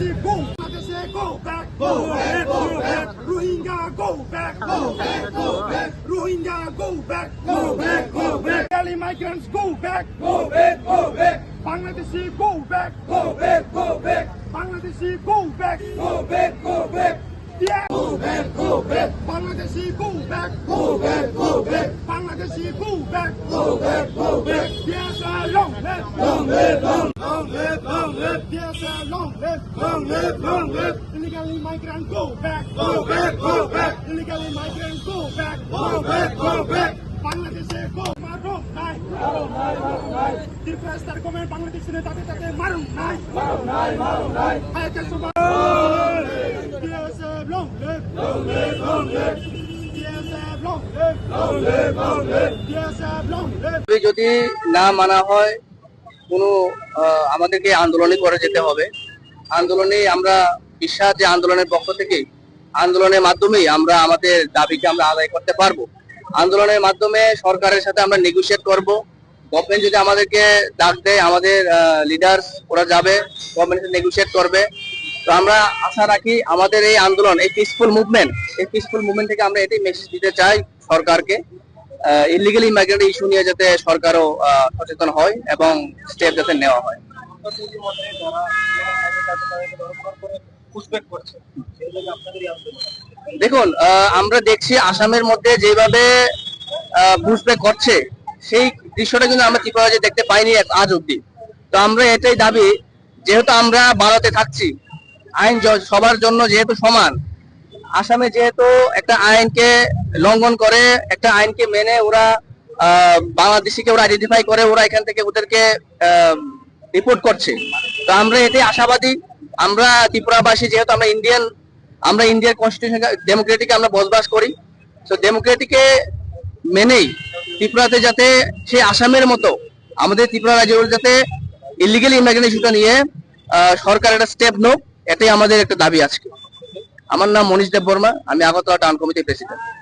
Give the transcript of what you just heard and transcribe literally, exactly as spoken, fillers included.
Bangladeshi go, Bangladeshi go back, go back, go back. Rohingya go back, go back, go back. Rohingya go back, go back, go back. Bengali migrants go back, go back, go back. Bangladeshi go back, go back, go back. Bangladeshi go back, go back, go back. Yeah. Go back, go back. Bangladeshi go back, go back, go back. Bangladeshi go back, go back, go back. Yes, a long live, long live, long, long live, long live. Yes, a long live, long live, long live. Illegally migrant go back, go back, go back. Illegally migrant go back, go back, go back. Bangladeshi go marun nai, marun nai, marun nai. Depressed argument Bangladeshi ne tate tate marun nai, marun nai, marun nai. Hai ke subah. Yes, a long live, long live, long live. Yes, a long live, long live, long live. Yes, a long live. যদি না মানা হয় কোনো আমাদেরকে আন্দোলনই করে যেতে হবে। আন্দোলনে আমরা বিশ্বাস যে আন্দোলনের পক্ষ থেকে আন্দোলনের মাধ্যমেই আমরা আমাদের দাবিকে আমরা আদায় করতে পারবো। আন্দোলনের মাধ্যমে সরকারের সাথে আমরা নেগোশিয়েট করব। গভর্নমেন্ট যদি আমাদেরকে ডাক দেয়, আমাদের লিডার্স ওরা যাবে, গভর্নমেন্টের সাথে নেগোশিয়েট করবে। তো আমরা আশা রাখি আমাদের এই আন্দোলন, এই পিসফুল মুভমেন্ট, এই পিসফুল মুভমেন্ট থেকে আমরা এটাই মেসেজ দিতে চাই সরকারকে, ইলিগাল ইমাইগ্রেন্ট ইস্যু নিয়ে যাতে সরকারও সচেতন হয় এবং স্টেপ যাতে নেওয়া হয়। দেখুন, আমরা দেখছি আসামের মধ্যে যেভাবে পুশব্যাক করছে সেই দৃশ্যটা কিন্তু আমরা ত্রিপুরায় দেখতে পাইনি আজ অব্দি। তো আমরা এটাই দাবি, যেহেতু আমরা ভারতে থাকছি, আইন সবার জন্য যেহেতু সমান, আসামে যেহেতু একটা আইনকে লঙ্ঘন করে, একটা আইনকে মেনে ওরা বাংলাদেশিকে ওরা আইডেন্টিফাই করে, ওরা এখান থেকে ওদেরকে রিপোর্ট করছে। তো আমরা এটাই আশাবাদী, আমরা ত্রিপুরাবাসী যেহেতু আমরা ইন্ডিয়ান, আমরা ইন্ডিয়ার কনস্টিটিউশন ডেমোক্রেটিকে আমরা বসবাস করি। তো ডেমোক্রেটিকে মেনেই ত্রিপুরাতে যাতে সে আসামের মতো আমাদের ত্রিপুরা রাজ্যের যাতে ইলিগাল ইমিগ্রেশন ইস্যুটা নিয়ে সরকার একটা স্টেপ নোক, এটাই আমাদের একটা দাবি আজকে। আমার নাম মনীষ দেব বর্মা, আমি আগরতলা টাউন কমিটির প্রেসিডেন্ট।